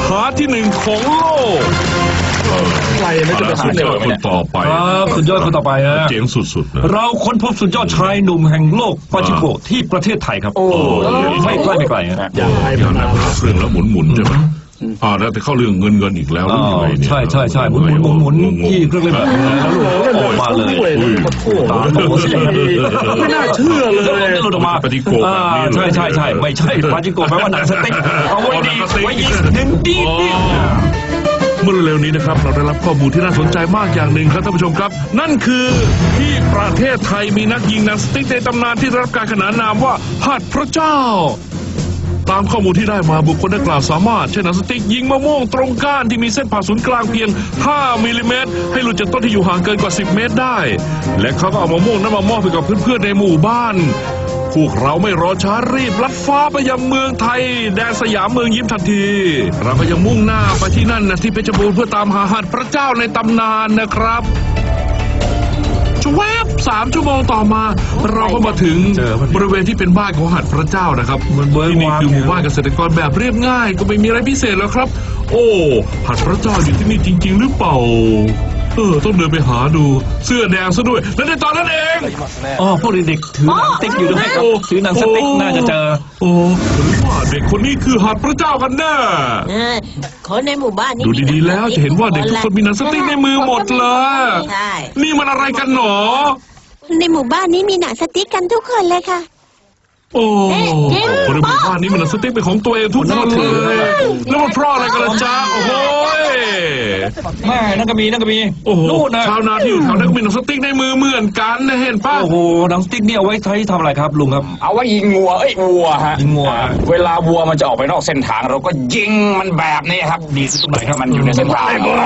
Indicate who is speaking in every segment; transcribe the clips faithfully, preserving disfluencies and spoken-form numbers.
Speaker 1: หาที่หนึ่งของโลก
Speaker 2: ใครน่าจะเป็นสุดยอดคนต่อไป
Speaker 3: ครับสุดยอดคนต่อไปฮะ
Speaker 2: เจ๋งสุดๆนะ
Speaker 3: เราค้นพบสุดยอดชายหนุ่มแห่งโลกปาจิโกะที่ประเทศไทยครับโอ้ไม่ใกล้ไม่ไกลฮะ
Speaker 2: อยากให้มันมาเรื่องแล้วหมุนๆใช่ไหมอ่าแล้วแต่เข้าเรื่องเงินเงินอีกแล้วรู้ยังไงเนี่ย
Speaker 3: ใช่ใช่ใช่หมุนหมุนหมุนหมุนที่เครื่องเล่นแบบนี้แล้วลูกออกมาเลยตาโตสิ
Speaker 2: ไม่น่าเชื่อเลย
Speaker 3: หลุดออกมา
Speaker 2: ปาจิโกะแบบนี้
Speaker 3: ใช่ใช่ใช่ไม่ใช่ปาจิโกะแปลว่าหนังสติ๊กเอาไว้ดีไว้ยิงหนึ่งดี
Speaker 2: เมื่อเร็วนี้นะครับเราได้รับข้อมูลที่น่าสนใจมากอย่างหนึ่งครับท่านผู้ชมครับนั่นคือที่ประเทศไทยมีนักยิงหนังสติ๊กในตำนานที่ได้รับการขนานนามว่าหัดพระเจ้าตามข้อมูลที่ได้มาบุคคลดังกล่าวสามารถใช้หนังสติ๊กยิงมะม่วงตรงก้านที่มีเส้นผ่าศูนย์กลางเพียงห้ามิลลิเมตรให้หลุดจากต้นที่อยู่ห่างเกินกว่าสิบเมตรได้และเขาก็เอามะม่วงนั้นมามอบให้กับเพื่อนๆในหมู่บ้านพวกเราไม่รอช้ารีบลัดฟ้าไปยังเมืองไทยแดนสยามเมืองยิ้มทันทีเราก็ยังมุ่งหน้าไปที่นั่นนะที่เพชรบูรณ์เพื่อตามหาหัดพระเจ้าในตำนานนะครับแวบสามชั่วโมงต่อมาเราก็มาถึงบริเวณที่เป็นบ้านของหัดพระเจ้านะครับที่นี่คือหมู่บ้านเกษตรกรแบบเรียบง่ายก็ไม่มีอะไรพิเศษแล้วครับโอ้หัดพระเจ้าอยู่ที่นี่จริงๆหรือเปล่าเออต้องเดินไปหาดูเสื้อแดงซะด้วยและในตอนนั้นเอง
Speaker 3: อ๋อพวกเด็กถือหนังสติ๊กอยู่ด้วยครับถือหนังสติ๊กน่าจะเจอ
Speaker 2: โอ้หรือว่าเด็กคนนี้คือหัดพระเจ้ากันแน่
Speaker 4: คนในหมู่บ้านนี้
Speaker 2: ดูดีๆแล้วจะเห็นว่าเด็กทุกคนมีหนังสติ๊กในมือหมดเลยนี่มันอะไรกันหนอ
Speaker 4: ในหมู่บ้านนี้มีหนังสติ๊กกันทุกคนเลยค่ะ
Speaker 2: โอ้คนในหมู่บ้านนี้มันหนังสติ๊กเป็นของตัวเองทุกคนเลยแล้วมันเพราะอะไรกันล่ะจ๊ะโอ้โห
Speaker 3: แม่นั่นก็มีนั่นก็มี
Speaker 2: โอ้โหชาวนาที่อยู่แถวนั้นก็มีหนังสติ๊กในมือเหมือนกันนะเห็นป่ะ
Speaker 3: โอ้โหหนังสติ๊กนี่เอาไว้ใช้ทำอะไรครับลุงครับ
Speaker 5: เอาไว้ยิงวัวเอ้ยวัวฮะ
Speaker 3: ยิงวัว
Speaker 5: เวลาวัวมันจะออกไปนอกเส้นทางเราก็ยิงมันแบบนี้ครับดีสุดตรงไหนครับมันอยู่ในเส้นทาง
Speaker 3: วัว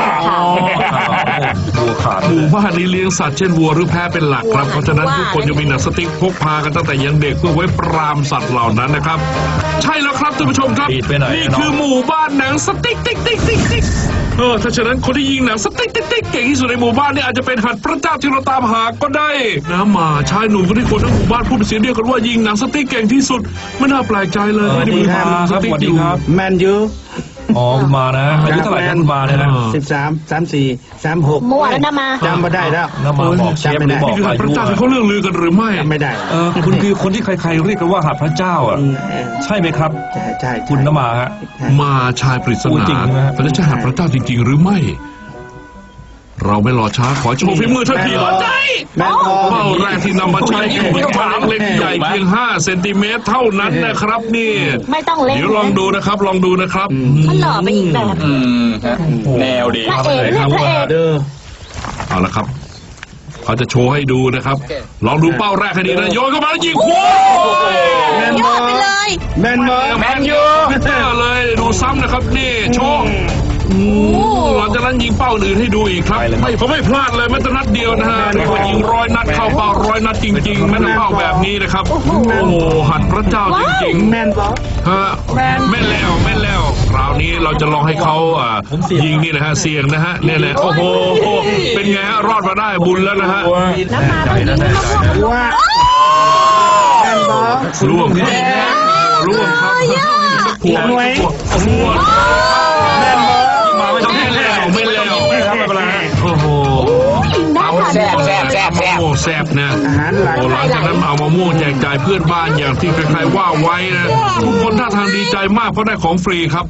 Speaker 3: ขาด
Speaker 2: หมู่บ้านนี้เลี้ยงสัตว์เช่นวัวหรือแพะเป็นหลักครับเพราะฉะนั้นทุกคนจะมีหนังสติ๊กพกพากันตั้งแต่ยังเด็กเพื่อไว้ปราบสัตว์เหล่านั้นนะครับใช่แล้วครับท่านผู้ชมครับนี่คือหมู่บ้านหนังสติ๊กติ๊กติ๊กติ๊กติ๊กเออถ้าฉะนั้นคนที่ยิงหนังสติ๊กติ๊กติ๊กเก่งที่สุดในหมู่บ้านนี่อาจจะเป็นหัดพระเจ้าที่เราตามหาก็ได้นะมาชายหนุ่มคนที่คนทั้งหมู่บ้านพูดเป็นเสียงเดียวกันว่ายิงหนังสติ๊กเก่งที่สุดไม่น่าแปลกใจเลยที่มีหนังสติ๊กอยู่
Speaker 6: แมนยู
Speaker 3: อ๋อมานะอายุเท่าไหร่กันมาเนี่ยนะ
Speaker 6: สิบสามสามสี่สามหก
Speaker 4: มั่วแล้วนะมา
Speaker 6: จำไม่ได้แล้ว
Speaker 3: น้ามาบอกเชฟไม่
Speaker 2: บอกนี่คือหัดพระเจ้าที่เขาเรื่องลือกันหรือไม่
Speaker 6: ไม่ได้
Speaker 3: เออคุณคือคนที่ใครๆเรียกกันว่าหัดพระเจ้าอ่ะใช่ไหมครับ
Speaker 6: ใช่ใช่
Speaker 3: คุณน้ามาฮะ
Speaker 2: มาชายปริศนาแต่จะหัดพระเจ้าจริงๆหรือไม่เราไม่รอช้าขอโชว์ฝีมือทันทีเลยใจเป้าแรกที่นำมาใช้คือหัวถางเล็กใหญ่เพียงห้าเซนติเมตรเท่านั้นนะครับนี่
Speaker 4: ไม่ต้องเล่น
Speaker 2: เดี๋ยวลองดูนะครับลองดูนะครับ
Speaker 4: มันหล่อไปอีกแบบ
Speaker 5: แนวดี
Speaker 4: พระเอกเนี่ยพระเอก
Speaker 2: เอาละครับเขาจะโชว์ให้ดูนะครับลองดูเป้าแรกให้ดีนะโยนเข้ามาแล้วยิงคู่
Speaker 4: ยอดไปเลย
Speaker 6: แมนยู
Speaker 5: แมนยู
Speaker 2: เลยดูซ้ำนะครับนี่โชว์หลังจากนั้นยิงเป้าอื่นให้ดูอีกครับไม่ผมไม่พลาดเลยแม้แต่นัดเดียวนะฮะเรียกว่ายิงร้อยนัดเข้าเป้าร้อยนัดจริงๆแม้แต่เป้าแบบนี้นะครับโอ้โหหัดพระเจ้าจริงๆ
Speaker 6: แมนบอล
Speaker 2: ฮะแม่นแล้วแม่นแล้วคราวนี้เราจะลองให้เขาอ่ายิงนี่นะฮะเสี่ยงนะฮะเนี่ยแหละโอ้โหเป็นไงฮะรอดมาได้บุญแล้วนะฮะ
Speaker 4: น้ำมาต้องยิงน้ำมา
Speaker 6: ว่าแมนบอล
Speaker 2: ร่วงครับร่วงครับ
Speaker 6: หัวหน่วย
Speaker 2: หัวแมนบอลมาไม่ต้องไม่แล้วไม่แล้วโอ้โห
Speaker 5: แซ่บแซ่บแซ่บแซ่บ
Speaker 2: โอ้แซ่บนะโอ้หลังจากนั้นเอามะม่วงแจกจ่ายเพื่อนบ้านอย่างที่ใครๆว่าไว้นะทุกคนท่าทางดีใจมากเพราะได้ของฟรีครับ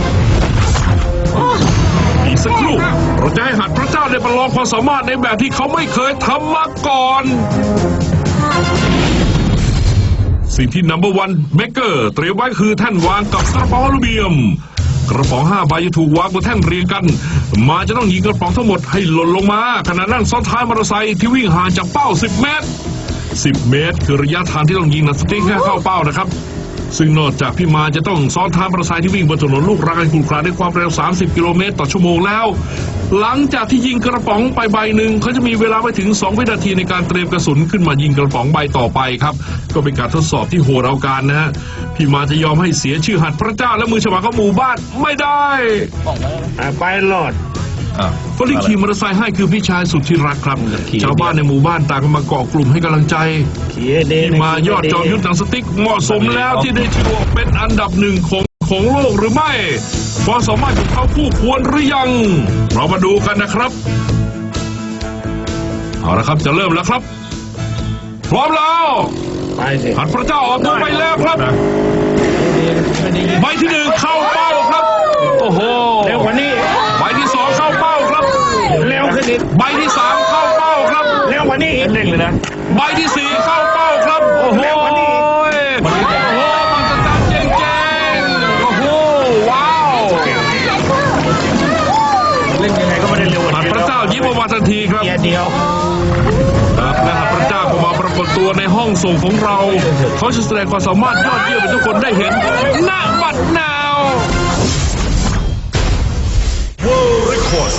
Speaker 2: อีกสักครู่เราจะให้หัดพระเจ้าได้ประลองความสามารถในแบบที่เขาไม่เคยทำมาก่อนสิ่งที่ นัมเบอร์วัน Maker เตรียมไว้คือแท่นวางกับกระป๋องอลูมิเนียมกระป๋องห้าใบจะถูกวางบนแท่นเรียงกันมาจะต้องยิงกระป๋องทั้งหมดให้หล่นลงมาขณะนั่งซ้อนท้ายมอเตอร์ไซค์ที่วิ่งห่างจากเป้าสิบเมตรสิบเมตรคือระยะทางที่ต้องยิงหนังสติ๊กให้เข้าเป้านะครับซึ่งนอกจากพี่มาจะต้องซ้อนท้ายมอเตอร์ไซค์ที่วิ่งบนถนนลูกรังอันขรุขระด้วยความเร็วสามสิบกิโลเมตรต่อชั่วโมงแล้วหลังจากที่ยิงกระป๋องไปใบหนึ่งเขาจะมีเวลาไปถึงสองวินาทีในการเตรียมกระสุนขึ้นมายิงกระป๋องใบต่อไปครับก็เป็นการทดสอบที่โหดเอาการนะฮะพี่มาจะยอมให้เสียชื่อหัดพระเจ้าและมือฉมังของหมู่บ้านไม่ได้
Speaker 6: ไปหลอด
Speaker 2: คนที่ขี่มอเตอร์ไซค์ให้คือพี่ชายสุดที่รักครับชาวบ้านในหมู่บ้านต่างกันมาเกาะกลุ่มให้กำลังใจที่มายอดจอมยุทธหนังสติ๊กเหมาะสมแล้วที่ได้ชื่อเป็นอันดับหนึ่งของคของโลกหรือไม่ความสามารถของเขาคู่ควรหรือยังเรามาดูกันนะครับเอาละครับจะเริ่มแล้วครับพร้อมแล้ว
Speaker 6: ไปสิ
Speaker 2: หันพระเจ้าออกตัวไปแล้วครับใบที่หนึ่งเข้าเป้าครับโอ้โห
Speaker 6: เร็วกว่านี้
Speaker 2: ใบที่สองเข้าเป้าครับ
Speaker 6: เร็วขึ้นอีก
Speaker 2: ใบที่สามเข้าเป้าครับ
Speaker 6: เร็วกว่านี้อีก
Speaker 3: เร่งเลยนะ
Speaker 2: ใบที่สี่เข้าเป้าครับโอ้โหโอ้โหมันจะจัดเจ๋งๆโอ้โหว้าว
Speaker 6: เล่นยังไงก็ไม่ได้เร็วกว่า
Speaker 2: หัน
Speaker 6: นี้
Speaker 2: พระเจ้ายิ้มออกมาทันทีครับ
Speaker 6: เกียร์เดียว
Speaker 2: ครับและหากพระเจ้าก็มาปรากฏตัวในห้องส่งของเรา เขาจะแสดงความสามารถยอดเยี่ยมให้ทุกคนได้เห็นณบัดนาว World Record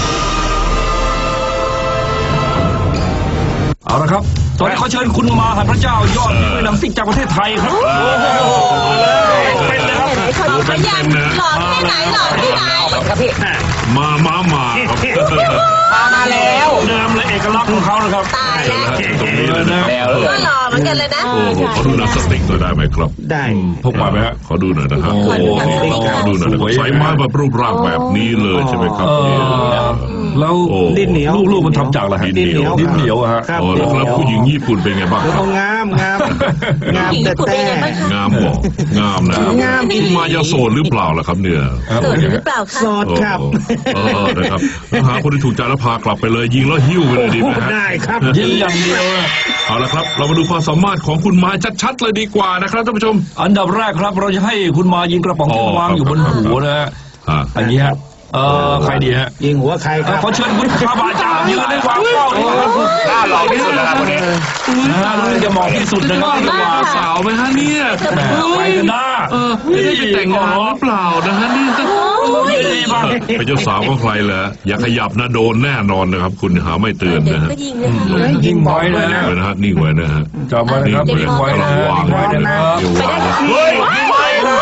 Speaker 3: เอาละครับ ตอนนี้เขาเชิญคุณมาหันพระเจ้ายอดฝีมือหนังซิกจากประเทศไทยครับ
Speaker 6: เป็นเลยครับ
Speaker 4: ขอดูพยานหลอดที่ไหนหลอดที่ไหน
Speaker 5: ครับพี่
Speaker 2: มามามาครับ
Speaker 5: มามาแล้ว
Speaker 3: เดิมเลยเอกลักษณ์ของเขานะครับ
Speaker 4: ตายแล้ว
Speaker 2: ตรงนี้เลยนะ
Speaker 5: แล้วเลย
Speaker 4: ก็หล่อเหมือนกันเลยนะ
Speaker 2: โอ้โหขอดูหนังสติ๊กหน่อยได้ไหมครับ
Speaker 6: ได้
Speaker 3: พกมาไหมฮะ
Speaker 2: ขอดูหน่อยนะครับโอ้โหขอดูหน่อยนะครับใช้ไม้แบบรูปร่างแบบนี้เลยใช่ไหมครับ
Speaker 3: เออ
Speaker 2: เนี่ย
Speaker 3: แล้ว
Speaker 2: โอ้
Speaker 6: ดินเหนียว
Speaker 3: ลูกๆมันทำจากอะไรฮะ
Speaker 2: ดินเหนียว
Speaker 3: ดินเหนียวอะฮะ
Speaker 6: ครับ
Speaker 2: โอ้แล้วครับผู้หญิงญี่ปุ่นเป็นไงบ้าง
Speaker 6: แล้ว
Speaker 2: ครั
Speaker 6: ก็
Speaker 2: บ
Speaker 6: งามงามงามแต่แต่
Speaker 2: งามบอกงามนะครับ
Speaker 6: งาม
Speaker 2: คุณมายาโสดหรือเปล่าล่ะครับเนี่ย
Speaker 4: โสดหรือเปล่าคะ
Speaker 6: โสดครับ
Speaker 2: เออนะครับหาคนที่ถูกใจแล้วพากลับไปเลยยิงแล้วหิ้วไปเลยดีไหมฮะ
Speaker 6: ได้ครับ
Speaker 3: ยิงอย่างเดียวอะ
Speaker 2: เอาละครับเรามาดูความสามารถของคุณมายชัดๆเลยดีกว่านะครับท่านผู้ชม
Speaker 3: อันดับแรกครับเราจะให้คุณมายิงกระป๋องที่
Speaker 2: อ๋อ
Speaker 3: วางอยู่บนหัวนะฮะ
Speaker 2: อ่า
Speaker 3: อันนี้ฮะเออใครดีฮะ
Speaker 6: ยิงหัวใครค
Speaker 3: เอ่อ
Speaker 6: รับ
Speaker 3: ขอเชิญคุณคาบาจายืนในวางเป้านี่ครับ
Speaker 5: หน้าหล่อที่สุดแล้วครับคนนี้
Speaker 3: นะฮะรู้สึกจะเหมาะที่สุดนะครับที่จะวาง
Speaker 2: สาวไหมฮะเนี่ย
Speaker 3: แหมไปกันหน้า
Speaker 2: เออไม่ได้จะแต่งงานหรือเปล่านะฮะนี่
Speaker 3: ยืนดีบ้าง
Speaker 2: เป็นเจ้าสาวของใครเหรออย่าขยับนะโดนแน่นอนนะครับ คุณหาไม่เตือน
Speaker 4: เดี๋ยว
Speaker 2: นะฮะ
Speaker 4: ก็ยิงเลยค่ะ
Speaker 3: ยิงไว้นะ
Speaker 2: นิ่งไว้นะฮะนิ่งไว้นะฮะ
Speaker 3: จำไว้นะครับยิงไว้นะยิงไว้นะครับ
Speaker 2: อย่าวางนะ
Speaker 3: เฮ้ยยิงไว้นะ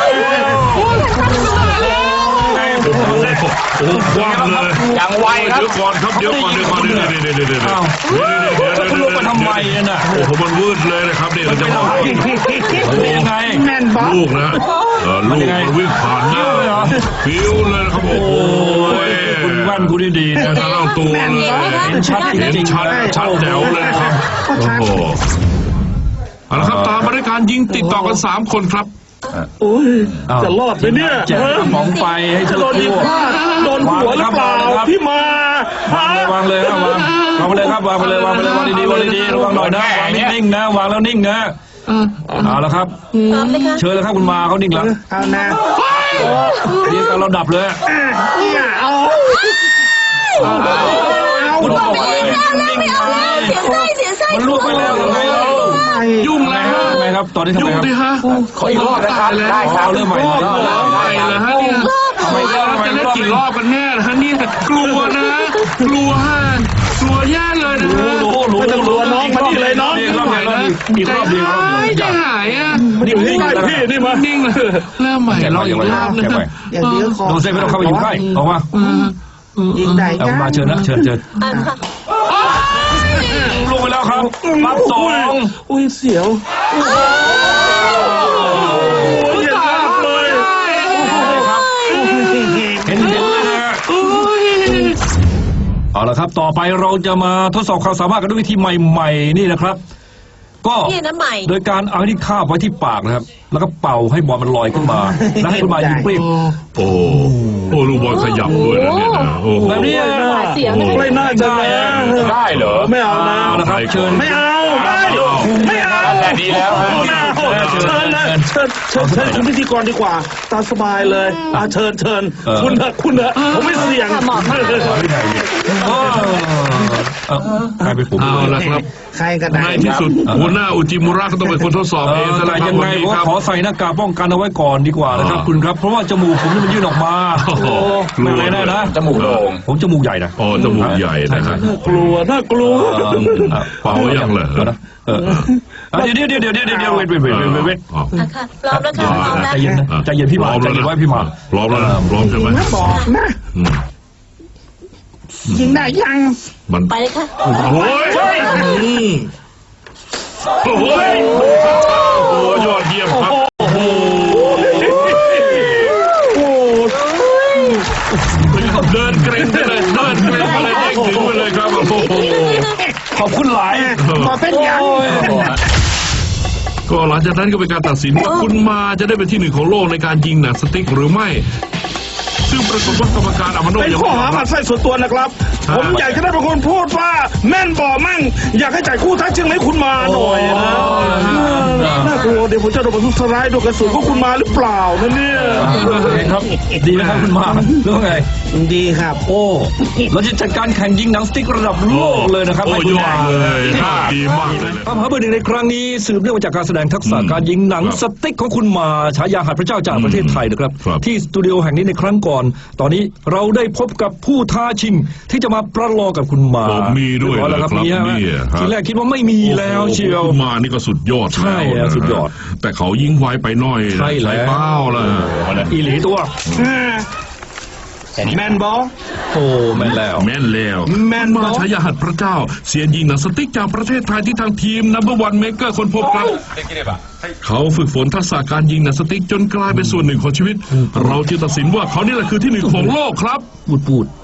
Speaker 2: โอ้โหโอ้โหคว้างเลย
Speaker 5: อย่างไวครับ
Speaker 2: เดี๋ยวก่อนครับเดี๋ยวก่อนเดี๋ยวก่อนเดี๋ยวเดี๋ยวเดี๋ยวเดี๋ยวเดี๋ยว
Speaker 3: อ้าว
Speaker 2: เดี๋ยวเดี๋ยวเดี๋ยว
Speaker 3: คุณลงมาทำไมน่ะ
Speaker 2: โอ้โหมันวืดเลยนะครับเนี่ยเราจะบอก
Speaker 3: เป็นยังไง
Speaker 6: แม่นบ๊อบ
Speaker 2: ลูกนะเออลูก
Speaker 3: มันยังไง
Speaker 2: มันวิ่งผ่านหน้า
Speaker 3: ฟิวเลยเหรอ
Speaker 2: ฟิวเลยนะครับโอ้โห
Speaker 3: คุณแว่นคุณดีๆนะ
Speaker 2: ทั้งเอาตัวเลย
Speaker 3: เห็นชัดจ
Speaker 2: เห็น
Speaker 3: ริง
Speaker 2: ชัด
Speaker 3: ๆ
Speaker 2: ชัดแจ๋วเลยนะครับโอ้โหเอาละครับตามมาด้วยการยิงติดต่อกันสามคนครับ
Speaker 6: โอ้ยจะรอดไหมเนี่ย
Speaker 3: แจกกระป๋องไปให้
Speaker 6: จะ
Speaker 3: เธ
Speaker 6: โด
Speaker 3: อน
Speaker 6: ยิงพลาดโดนหัวหรือเปล่าพี่มาว
Speaker 3: างเลยวางเลยครับวางวางไปเลยครับวางไปเลยวางไปเลยวางดีๆวางดีๆระวังหน่อยนะวางนิ่งๆนะวางแล้วนิ่งนะเอาละครับ
Speaker 4: พร้อมไหมคะ
Speaker 3: เชิญเลยครับคุณมาเขานิ่งแล้ว
Speaker 6: เอานะ
Speaker 3: เรียกกันเราดับเลย
Speaker 6: เนี่ยเอาเอา
Speaker 3: คุณบอกว่า
Speaker 4: ไม่เอาแล้วไม่เอาแล้วเสียไส้เสียไส้
Speaker 3: มันลุกไปแล้วยังไงเรา
Speaker 2: ยุ่งแล้ว
Speaker 3: ทำไมครับตอนนี้ทำ
Speaker 2: ยุ่
Speaker 3: ไม
Speaker 2: ง
Speaker 3: ครับ
Speaker 2: ดิฮะ
Speaker 5: ขออีกรอบนะครับได้ครับ
Speaker 3: เริ่มใหม่
Speaker 2: รอบใหม่เลยฮะเนี่ยไม่ได้จะเล่นกี่รอบกันแน่นะฮะเนี่ยกลัวนะ กลัวฮะกลัวแย่เลยนะฮะ
Speaker 3: รู้รู้รู้
Speaker 6: ไม่ต้องกลัวน้องมานี่เลยน้อง
Speaker 3: อีกรอบอีกรอบอีกรอบอีกรอบ
Speaker 2: ไม่
Speaker 3: อีกร
Speaker 2: จะ
Speaker 3: อบ
Speaker 2: หายอ่ะ
Speaker 3: นิ่งนิ่ง
Speaker 6: ใช่พี่นี่มา
Speaker 2: นิ่งเลยเริ่มใหม่เราอีกรอบนึง
Speaker 6: อย่างเดียวขอ
Speaker 3: โดนเส้นไม่ต้องเข้าไปอยู่ใกล้ออกมา
Speaker 6: ยิงได้
Speaker 3: เอามาเชิญนะเชิญเชิญ
Speaker 4: อ่ะค่ะ
Speaker 3: ลงไปแล้วครับรับสอง
Speaker 6: อุ้ยเสียวโอ้ยตายเลย
Speaker 3: เห็นเห็นเลยนะฮะเอาละครับต่อไปเราจะมาทดสอบความสามารถกันด้วยวิธีใหม่ๆนี่นะครับ ก็
Speaker 4: นี่นะใหม่
Speaker 3: โดยการเอาที่คาบไว้ที่ปากนะครับ แล้วก็เป่าให้บอลมันลอยขึ้นมา แล้วให้คุณมายิงเปรี้ยง
Speaker 2: โอ้โอ้ลูกบอลขยับด้วยนะเนี่ยนะโอ้โห
Speaker 3: แบบนี้
Speaker 4: เสียง
Speaker 6: ไม่น่าจะนะ
Speaker 5: ได้เหรอ
Speaker 6: ไม่เอานะ
Speaker 3: เอาละครับเชิญ
Speaker 6: ไม่เอาไม่ไม่เอา
Speaker 5: นั่นแหละดีแล้วฮะ
Speaker 6: ไม่เอาเชิญนะเชิญเชิญเชิญคุณพิธีกรดีกว่าตามสบายเลยอ่ะเชิญเชิญคุณเถอะคุณเถอะผมไม่เสี่ยง
Speaker 4: ค่ะเหมาะมาก
Speaker 3: เออเออกลายเป็นผม
Speaker 2: เอาละครับ
Speaker 6: ใครก็ได้
Speaker 2: ในที่สุดหัวหน้าอุจิมุระก็ต้องเป็นคนทดสอบ
Speaker 3: เอ
Speaker 2: เอง
Speaker 3: อ
Speaker 2: ซะแล้ว
Speaker 3: แต่
Speaker 2: ครับ
Speaker 3: ยังไง
Speaker 2: วันนี้
Speaker 3: ผม
Speaker 2: ครับ
Speaker 3: ขอใส่หน้ากากป้องกันเอาไว้ก่อนดีกว่านะครับ
Speaker 2: อ่า
Speaker 3: คุณครับ เพราะว่าจมูกผมนี่มันยื่นออกมา
Speaker 2: โอ้โห
Speaker 3: ไม่อะไรแน่นะ
Speaker 5: จมูกโด่ง
Speaker 3: ผมจมูกใหญ่นะ
Speaker 2: อ๋อจมูกใหญ่นะฮะ
Speaker 6: น่ากลัวน่ากลัว
Speaker 3: เออเออ
Speaker 2: เป่ายังเหรอ
Speaker 3: เออนะเออเออเดี๋ยวเดี๋ยวเดี๋ยวเดี๋ยวเดี๋ยวเดี๋ยวเวทเวทเวทเวทเวทเวท
Speaker 2: อ๋อ
Speaker 4: อ่ะค่ะพร้อมแล้วค่ะพร้อมแล้ว
Speaker 3: ใจเย็นนะใจเย็นพี่หมาใจเย็นไว้พี่หมา
Speaker 2: พร้อมแล้วนะพร้อมใช่ไหม
Speaker 6: นะบอกนะ
Speaker 2: อืม
Speaker 6: ยิงได้ยัง
Speaker 2: มัน
Speaker 4: ไปเลยค่ะ
Speaker 2: โอ้ยโอ้โหโอ้ยอดเยี่ยมครับโอ้โหเดินเกรงไปเลยเดินเกรงไปเลยเด้งถึงไปเลยครับโอ้โห
Speaker 3: ขอบคุณหลาย
Speaker 6: มาเป็นยัง
Speaker 2: ก็หลังจากนั้นก็เป็นการตัดสินว่าคุณมาจะได้เป็นที่หนึ่งของโลกในการยิงหนังสติ๊กหรือไม่ ซึ่งปรากฏว่ากรรมการอามาโน
Speaker 6: เป็น
Speaker 2: ยัง
Speaker 6: ข้อ
Speaker 2: ไม่ย
Speaker 6: หา
Speaker 2: อม
Speaker 6: หมั
Speaker 2: รับ
Speaker 6: ดไส้ส่วนตัวนะครับ ผมอยากจะได้เป็นคนพูดว่าแม่นบ่อมั่งอยากให้จ่ายคู่ท้าชิงให้คุณมาหน่อยนะน่ากลัวเดี๋ยวผมจะโดนบรรทุกสไลด์โดนกระสุนของคุณมาหรือเปล่านะเนี่ย
Speaker 3: ครับ ดีไหมครับคุณมาหรือว่าไง
Speaker 6: ดีครับ
Speaker 3: โอ้เราจะจัดการแข่งยิงหนังสติ๊กระดับโลกเลยนะครับ
Speaker 2: โอ้
Speaker 3: ให้
Speaker 2: ย
Speaker 3: คุณ
Speaker 2: อ
Speaker 3: มา
Speaker 2: ดเลยดีมากเลย
Speaker 3: คำหาเบอร์หนึ่งในครั้งนี้สืบเนื่องมาจากการแสดงทักษะการยิงหนังสติ๊กของคุณมาฉายาหัดพระเจ้าจากประเทศไทยนะครับ
Speaker 2: ครับ
Speaker 3: ที่สตูดิโอแห่งนี้ในครั้งก่อน ตอนนี้เราได้พบกับผู้ท้าชิงที่จะมาประลองกับคุณมา
Speaker 2: ผมมีด้วย
Speaker 3: เรีบร้อแล้วครับ
Speaker 2: เหรอครับ
Speaker 3: มีฮะ
Speaker 2: เนี่ยฮะ
Speaker 3: ทีแรกคิดว่าไม่มีแล้วเชียว
Speaker 2: คุณมานี่ก็สุดยอด
Speaker 3: ใช่
Speaker 2: แล้วนะ
Speaker 3: สุดยอด
Speaker 2: แต่เขายิงไวไปหน่อย
Speaker 3: ใช่แล้ว
Speaker 2: ใส่เป้าล่ะ
Speaker 3: อีหลีตัว
Speaker 6: แมนบอ
Speaker 3: โอ้แม่นแล้ว
Speaker 2: แม่นแล้ว
Speaker 6: แม่น
Speaker 2: มา
Speaker 6: บอ
Speaker 2: ฉายาหัดพระเจ้าเสียนยิงหนังสติ๊กจากประเทศไทยที่ทางทีมนัมเบอร์วันเมเกอร์คนพบครับ เขาฝึกฝนทักษะการยิงหนังสติ๊กจนกลายเป็นส่วนหนึ่งของชีวิต เราจึงตัดสินว่าเขานี่แหละคือที่หนึ่งของโลกครับ
Speaker 3: ปูดปูด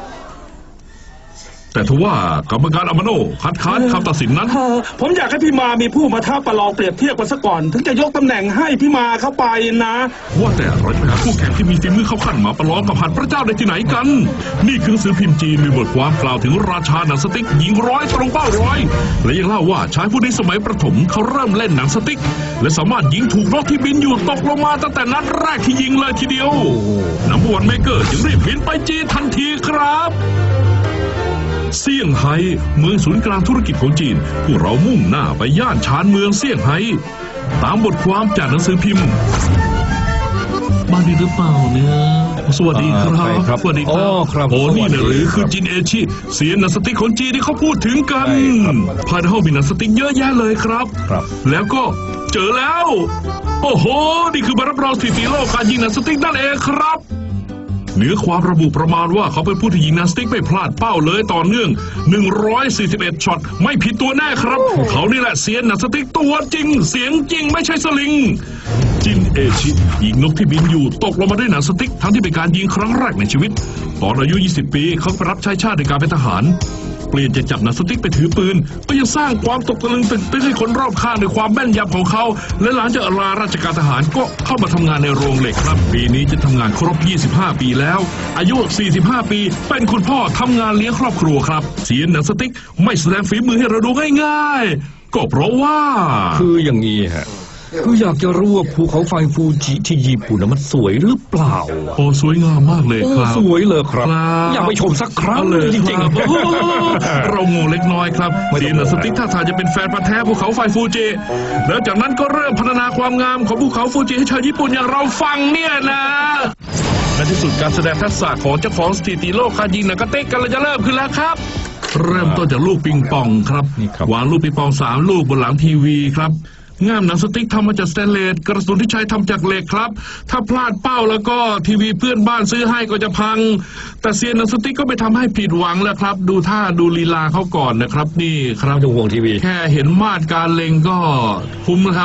Speaker 2: แต่ทว่ากรรมการอามาโนคัดค้านคำตัดสินนั้น
Speaker 6: เออผมอยากให้พี่มามีผู้มาท้าประลองเปรียบเทียบกันซะก่อน ถึงจะยกตำแหน่งให้พี่มาเข้าไปนะ
Speaker 2: ว่าแต่เราจะไปหาคู่แข่งที่มีฝีมือเข้าขั้นมาประลองกับหัดพระเจ้าได้ที่ไหนกัน นี่คือหนังสือพิมพ์จีนมีบทความกล่าวถึงราชาหนังสติ๊กยิงร้อยตรงเป้าร้อยและยังเล่าว่าชายผู้นี้สมัยประถมเขาเริ่มเล่นหนังสติ๊กและสามารถยิงถูกนกที่บินอยู่ตกลงมาตั้งแต่นัดแรกที่ยิงเลยทีเดียวนัมเบอร์วันเมเกอร์จึงรีบบินไปจีนทันทีครับเซี่ยงไฮ้เมืองศูนย์กลางธุรกิจของจีนพวกเรามุ่งหน้าไปย่านชานเมืองเซี่ยงไฮ้ตามบทความจากหนังสือพิมพ์บ้านดีหรือเปล่าเนี่ยสวัสดีครับ
Speaker 3: ใช่ครับ
Speaker 2: สวัสดีค
Speaker 3: อ๋
Speaker 2: รั
Speaker 3: อบ ครับ
Speaker 2: โอ้นี่นะหรือ
Speaker 3: สวัสดีครับ
Speaker 2: คือจินเอชิเสียนหนังสติ๊กของจีนที่เขาพูดถึงกัน
Speaker 3: ใช่ครับ
Speaker 2: ภายในห้องมีหนังสติ๊กเยอะแยะเลยครับ
Speaker 3: ครับ
Speaker 2: แล้วก็เจอแล้ว โอ้โหนี่คือใบรับรองสถิติโลกการยิงหนังสติ๊กนั่นเองครับเนื้อความระบุประมาณว่าเขาเป็นผู้ที่ยิงหนังสติ๊กไม่พลาดเป้าเลยต่อเนื่องหนึ่งร้อยสี่สิบเอ็ดช็อตไม่ผิดตัวแน่ครับ เขานี่แหละเซียนหนังสติ๊กตัวจริง เสียงจริงไม่ใช่สลิง จินเอชิยิงนกที่บินอยู่ตกลงมาด้วยหนังสติ๊กทั้งที่เป็นการยิงครั้งแรกในชีวิตตอนอายุยี่สิบปีเขาไปรับใช้ชาติในการเป็นทหารเปลี่ยนจากจับหนังสติ๊กไปถือปืนก็ยังสร้างความตกตะลึงตึกตึกให้คนรอบข้างในความแม่นยำของเขาและหลังจากลาราชการทหารก็เข้ามาทำงานในโรงเหล็กครับปีนี้จะทำงานครบยี่สิบห้าปีแล้วอายุสี่สิบห้าปีเป็นคุณพ่อทำงานเลี้ยงครอบครัวครับเสียนหนังสติ๊กไม่แสดงฝีมือให้เราดูง่ายๆก็เพราะว่า
Speaker 3: คืออย่างนี้ฮะคืออยากจะรู้ว่าภูเขาไฟฟูจิที่ญี่ปุ่นน่ะมันสวยหรือเปล่า
Speaker 2: โอ้สวยงามมากเลย
Speaker 3: โอ้
Speaker 2: ครับ
Speaker 3: สวยเลยครับ
Speaker 2: ครับ
Speaker 3: อยากไปชมสักครั้ง
Speaker 2: เอาเลย
Speaker 3: จริง
Speaker 2: ครับ
Speaker 3: ๆ
Speaker 2: โอ้โหเราโง่เล็กน้อยครับ
Speaker 3: ไม่ต้อง
Speaker 2: เสียนหนังสติ๊กท่าทางจะเป็นแฟนพันธุ์แท้ภูเขาไฟฟูจิแล้วจากนั้นก็เริ่มพัฒนาความงามของภูเขาฟูจิให้ชาวญี่ปุ่นอย่างเราฟังเนี่ยนะในที่สุดการแสดงทักษะของเจ้าของสถิติโลกการยิงหนังกระเตกกันเลยจะเริ่มขึ้นแล้วครับ เริ่มต้นจากลูกปิงปองครับ
Speaker 3: นี่ครับ
Speaker 2: วางลูกปิงปองสามลูกบนหลังทีวีครับง่ามหนังสติ๊กทำมาจากสแตนเลสกระสุนที่ใช้ทำจากเหล็กครับถ้าพลาดเป้าแล้วก็ทีวีเพื่อนบ้านซื้อให้ก็จะพัง แต่เซียนหนังสติ๊กก็ไม่ทำให้ผิดหวังแล้วครับ ดูท่าดูลีลาเขาก่อนนะครับ นี่ครับ
Speaker 3: ไม่ต้องห่วงทีวี
Speaker 2: แค่เห็นมาตรการเล็งก็คุ้มนะครับ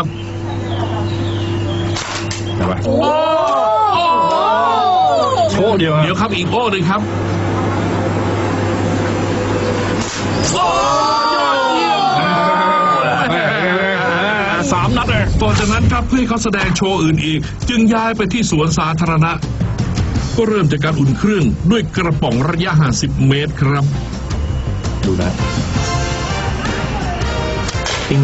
Speaker 3: ใช่ไหมโชว์เดียว
Speaker 2: เดี๋ยวครับอีกโอ้หนึ่งครับ
Speaker 3: สามนัดเลย
Speaker 2: ต่อจากนั้นครับเพื่อให้เขาแสดงโชว์อื่นอีก จึงย้ายไปที่สวนสาธารณะ ก็เริ่มจากการอุ่นเครื่องด้วยกระป๋องระยะห่างสิบเมตรครับ
Speaker 3: ดูนะปิ้ง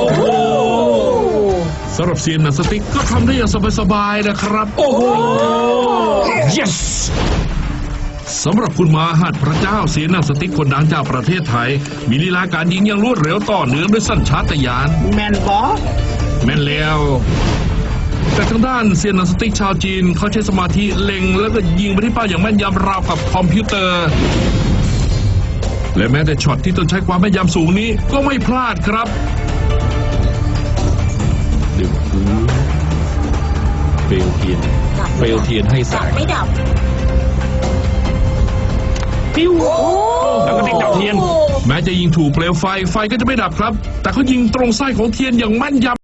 Speaker 2: สำหรับเซียนหนังสติ๊กก็ทำได้อย่างสบายๆนะครับ โอ้โห
Speaker 3: yes
Speaker 2: สำหรับคุณมาหัดพระเจ้าเซียนหนังสติ๊กคนดังจากประเทศไทย มีลีลาการยิงอย่างรวดเร็วต่อเนื่องด้วยสัญชาตญาณ
Speaker 6: แมนบอ
Speaker 2: แม่นแล้ว แต่ทางด้านเซียนหนังสติ๊กชาวจีนเขาใช้สมาธิเล็งแล้วก็ยิงไปที่เป้าอย่างแม่นยำราวกับคอมพิวเตอร์ และแม้แต่ช็อตที่ต้องใช้ความแม่นยำสูงนี้ก็ไม่พลาดครับ
Speaker 3: ดึงพื้นเปลวเทียนเปลวเทียนให้แส
Speaker 4: ดับ
Speaker 3: ง
Speaker 4: ไม่ดับ
Speaker 3: ปิ้วแล้วก็ติดดับเทียน
Speaker 2: แม้จะยิงถูกเปลวไฟไฟก็จะไม่ดับครับ แต่เขายิงตรงไส้ของเทียนอย่างแม่นยำ